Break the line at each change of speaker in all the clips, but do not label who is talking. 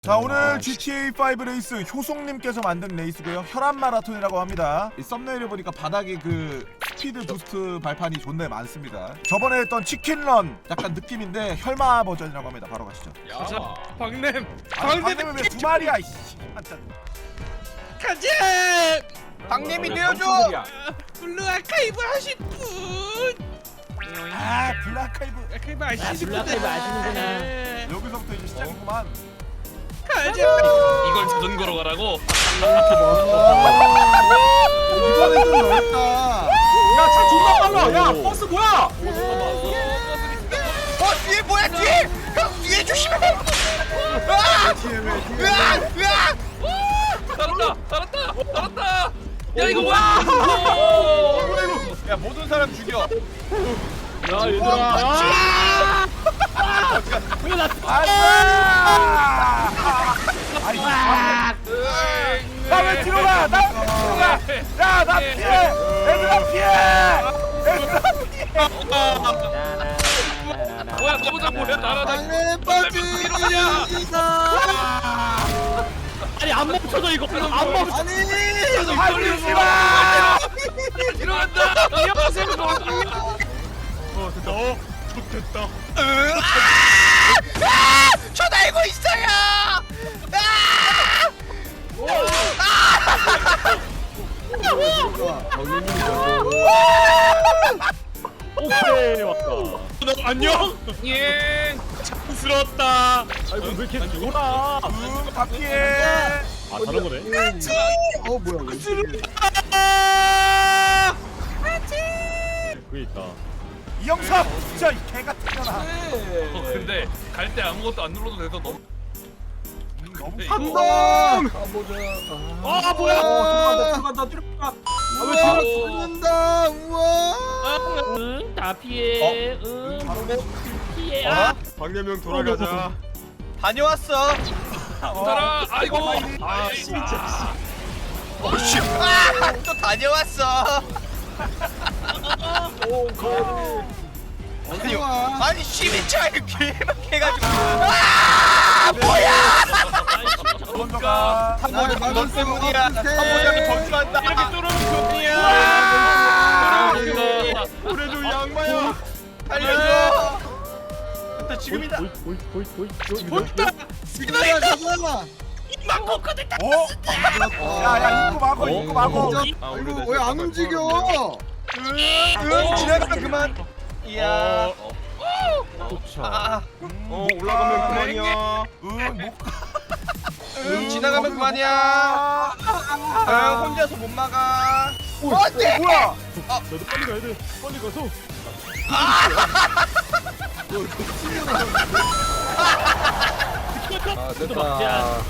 자, 오늘 GTA5 레이스 효송님께서 만든 레이스고요. 혈압 마라톤이라고 합니다. 이 썸네일을 보니까 바닥에 그 스피드 부스트 발판이 존나 많습니다. 저번에 했던 치킨런 약간 느낌인데 혈마 버전이라고 합니다. 바로 가시죠.
자, 박냄!
방금은 왜 두 마리야 이씨.
가자!
박님이 내어줘!
블루 아카이브 하실 분!
아, 블라카이브.
아카이브 아시는
블루아카이브 아시는구나.
여기서부터 이제 시작이구만.
가자! 이걸 자전거로 가라고?
이번엔 좀 넓다.
야, 차 존나 빨라. 야, 버스 뭐야?
뒤에 뭐야 뒤에! 형 뒤에 조심해! 으악!
따랐다! 야 이거 뭐야?
야 모든 사람 죽여.
야, 얘들아.
나 왜 뒤로 가? 나 왜 뒤로 가? 야, 나 피해! 얘들아 피해! 얘들아 피해!
뭐야 너보다 뭐야 날아다
박님 빠지!
아니 안 멈춰져 이거 안 멈춰.
아니!
달리지 마!
들어간다!
저 날고 있어요!
오케이, 왔다.
너 안녕? 예 자연스러웠다
아이고, 왜 이렇게 돌아?
다 피해!
아, 다른 거네.
뭐야
그게 있다.
이영삼! 진짜 이 개같은 년아.
근데 갈 때 아무것도 안 눌러도 돼서 너무
너무
한동!
아, 뭐야? 들어간다.
왜 뒤로 죽는다! 우와!
응다 피해. 응 피해. 아
박래명 돌아가자.
다녀왔어!
따라 아이고 아
진짜.
또 다녀왔어! 아니 시민차 이렇게 해가지고
먼저 가.
너 때문이야. 한번이라도 저주한다.
이렇게 뚫으면 좋냐
그래도 양마야.
살려줘. 일단 지금이다.
어? 야, 입고 막어, 입고 막어.
이거 왜 안 움직여? 응, 지나가면 그만. 이야.
올라가면 그만이야.
못 가.
응, 지나가면 그만이야. 응, 혼자서 못 막아. 어때?
뭐야?
너도 빨리 가야 돼. 빨리 가서.
됐다.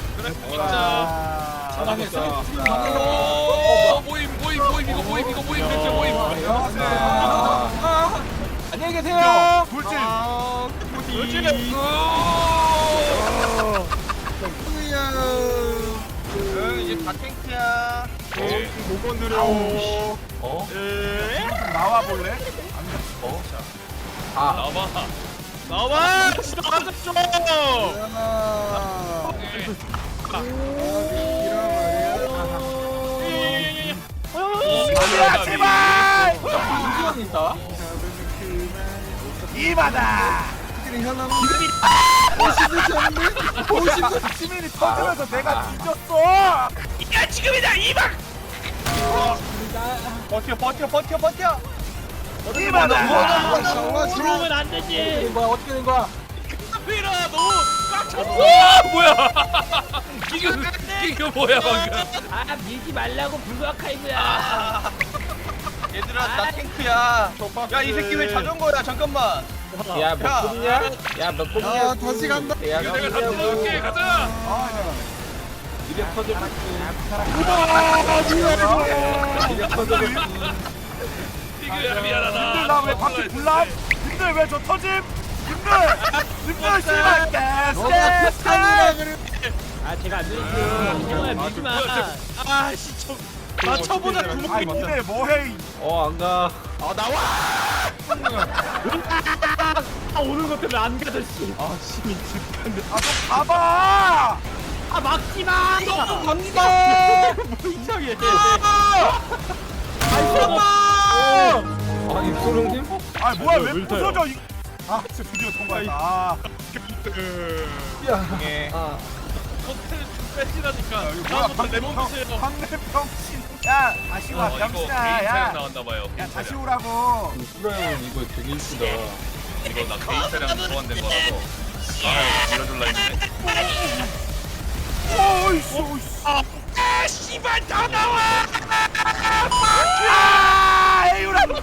모임 이거 모임 대체 모임
안녕히 계세요.
돌진.
응, 이제 다 탱크야.
못 건드려.
좀 나와 볼래?
나와 진짜 가자 좀
야, 제발! 이마다. 시민이 터지면서 내가 뒤졌어.
야 지금이다 이박
버텨.
이마다.
그러면 안 되지.
밀어 너무 꽉 찼어 뭐야 이거 뭐야 방금
아 밀지 말라고 블루아카이브야.
얘들아, 나 탱크야. 야, 이 새끼 왜 자전거야? 잠깐만.
야,
야,
몇 번이냐?
다시 간다.
야,
내가 다 뚫어줄게 가자
이래 터져.
이거야 미안하다
님들 나 왜 바퀴 불남? 님들 왜 저 터짐? 님들 씨발 개스.
아 제가 안 밀었어. 태호야 밀지 마.
아씨 좀 맞춰보자
아이 니네 뭐해?
안 가.
아 오는 것 때문에 안 가졌지.
아좀 가봐.
씨발.
갑니다.
이상해.
아 입소룡님?
아 뭐야 왜
왜 타요?
부서져 아 진짜 드디어 통과했다 아,
예.
호텔 좀 빼시라니까.
이거 뭐야
다음부터 레몬 드세요.
황래병신 야 다시 와
이거 개인
병신아
촬영
야
나왔나봐요.
야 다시 오라고
수라형은 이거 되게 이쁘다.
이거 나 개인 촬영 소환된 거라서. 아유 밀어줄라 했네.
오이씨 오이씨 아 씨발 더 나와 아 에이우라고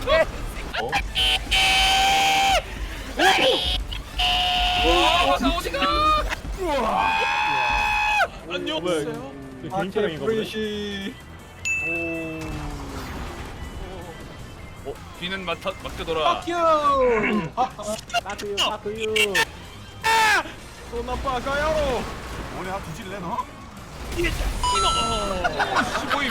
와, 나 어디가? 안녕.
개인 촬영인가 보네.
프레시.
귀는 맡겨둬라.
빠꾸유.
또 나빠가요.
뭐냐 뒤질래 너?
시보임.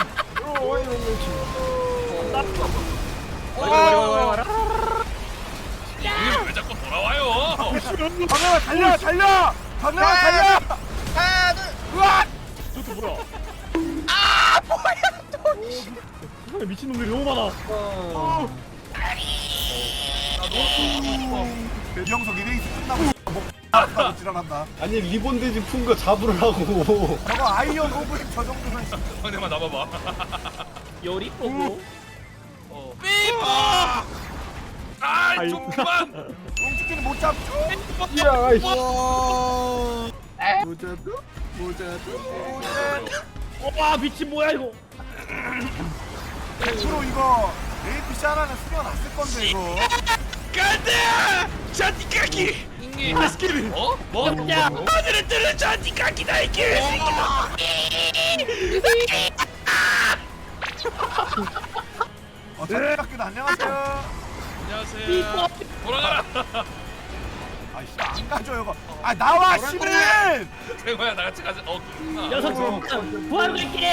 이게 왜 자꾸 돌아와요?
강남아 달려 달려 강남아 달려
하나 둘.
으악
저또 뭐야? 아 뭐야 또. 미친놈들이 너무 많아.
배경석 이레이스 끝나고 뭐 하고 지랄한다
아니 리본 돼지 푼 거 잡으라고.
저거 아이언 오브인 저 정도면
형님만 나봐봐.
요리 보고.
아이 좀 그만.
웅치키는 못 잡죠?
야, 아이씨.
모자도? 모자도?
와 미친 뭐야 이거.
100% 이거 APC 하나는 숨겨놨을 건데 이거
간다! 잔디까기! 인기 어? 뭐?
야.
하늘을 뚫는 잔디까기다 이 개새끼다!
잔디깎기도 안녕하세요
안녕하세요. 돌아가라.
아이씨 안 가져 이거 아 나와 시민
대호야 나같이 가자. 그렇구나.
녀석 부활 갈게.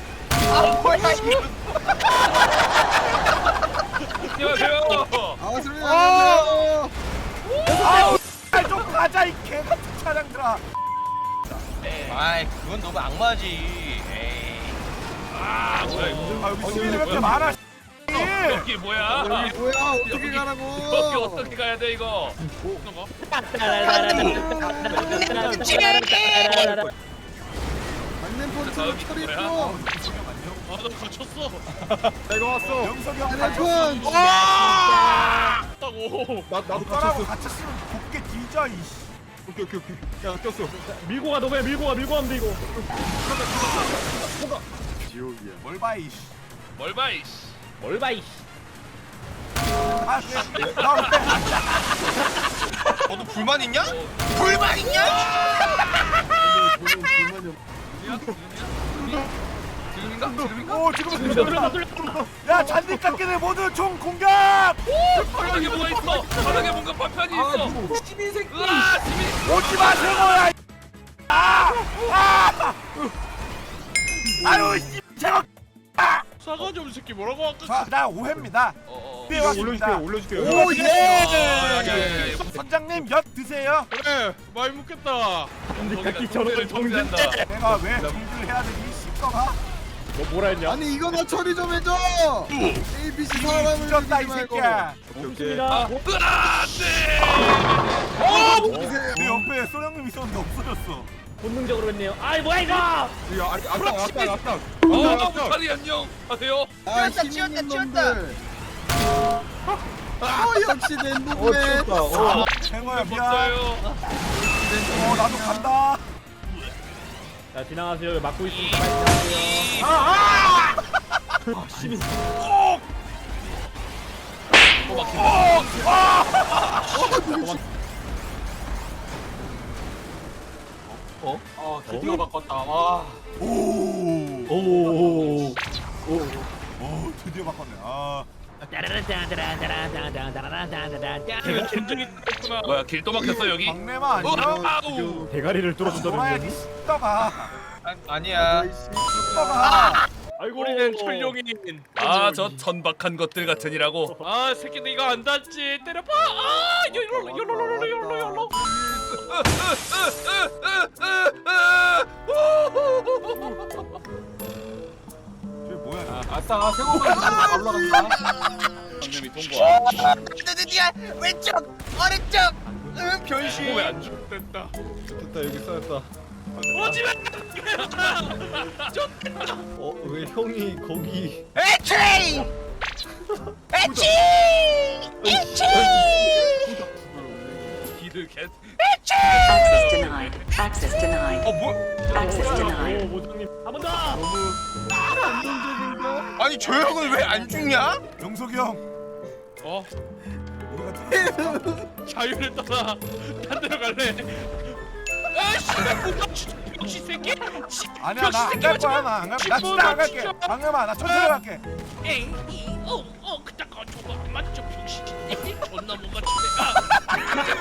안녕하세요.
아우 좀 가자 이 개같은 차량들아
아이 그건 너무 악마지. 에이.
아 뭐야 이거?
아 여기 시민이 왜 이렇게 많아
여기 뭐야?
뭐야? 어떻게
여기
가라고?
어떻게 가야 돼 이거?
맞는
다음이
폰트를
뭐야?
처리했어.
아나 거쳤어.
내가 왔어.
영석이 형
핸드폰.
다고.
나도
너라고
갇혔어.
같이 쓰면 곱게 뒤져 이씨
오케이. 야 꼈어.
밀고 가 너왜 밀고 가면 돼 이거.
지옥이야.
뭘 봐 이씨
뭘 봐 이씨.
뭘 봐 이씨.
아 그래 나올 때
너도 불만 있냐? 불만 있냐?
지금인가? 지금인가?
오 지금 야 잔디 깎기들 모두 총 공격
바닥에 뭐가 있어? 바닥에 뭔가 파편이 있어.
시민 새끼.
으아 지민.
오지 마세요 야 아유 씨 제가
사과 좀 새끼 뭐라고 아까?
나 오해입니다 네 왔습니다
올려줄게.
오
예.
예 선장님 엿 드세요
그래 많이 묻겠다.
깎기 저런
정지한다.
내가 왜 정지를 해야 되니 씹더가
너 뭐라 했냐?
아니 이거 나 처리 좀 해줘. ABC 사람을
찢었다 이
죽이지 말고.
새끼야
좋습니다.
내 옆에 소령님 있었는데 없어졌어
본능적으로 했네요. 아이 뭐야 이거?
야, 아까.
무탈이 안녕 하세요.
아,
치웠다,
시민님
치웠다.
놈들. 역시 낸부구네.
쟁어야 미안
없어요.
나도 간다
자 지나가세요. 막고 있으니까 빨리 지나가세요.
또 막힌다.
드디어 바꿨다. 와.
오 드디어 바꿨네 아
제가 전쟁이 됐구나. 뭐야 길 또 막혔어 여기?
박내마 아니야?
아우.
대가리를
돌아야지
뚫어준다는
씹더가
아니야.
씹더가
아이고.
우리는 철룡인. 아저 천박한 것들 같으니라고. 아 새끼들 이거 안 닿지. 때려봐. 아 열로.
아싸 세고만 올라간다.
강림이 통과.
드디어 왼쪽 오른쪽 변신.
왜안 죽겠다.
됐다 여기 쌓였다.
오지마.
왜 형이 거기?
에치 에치 에치
기드 캣.
Access denied. Access denied.
뭐?
Access denied.
모장님 한 번 더.
아니 저 형은 왜 안 죽냐?
영석이 형
어?
우리가 틀렸어.
자유를 떠나 딴 데로 갈래. 아씨, 병신 새끼.
아니야 나 안 갈 거야 나 안 갈. 나 진짜 안 갈게. 방금아 나 천천히 갈게.
그딱 저거 안 맞죠 병신. 존나 못 맞추네.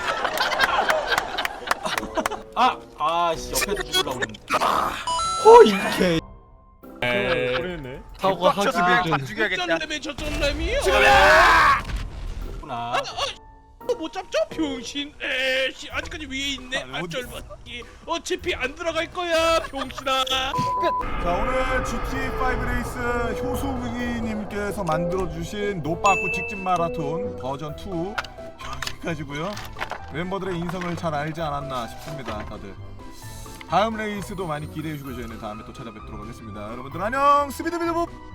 아씨 옆에서 죽으려고 그랬는데. 허 이게. 그랬네. 사고가
빡쳐서 그냥 다
하기도
죽여야겠다.
저점렘이 저점렘이요.
전구나.
못 잡죠 병신. 에씨 아직까지 위에 있네.
아, 어디-
안절받기. 어차피 안 들어갈 거야 병신아.
자 오늘 GTA5 레이스 효수님께서 만들어주신 노빠꾸 직진 마라톤 버전 2 여기까지고요. 멤버들의 인성을 잘 알지 않았나 싶습니다. 다들 다음 레이스도 많이 기대해 주시고 저희는 다음에 또 찾아뵙도록 하겠습니다. 여러분들 안녕 스비드비드봅.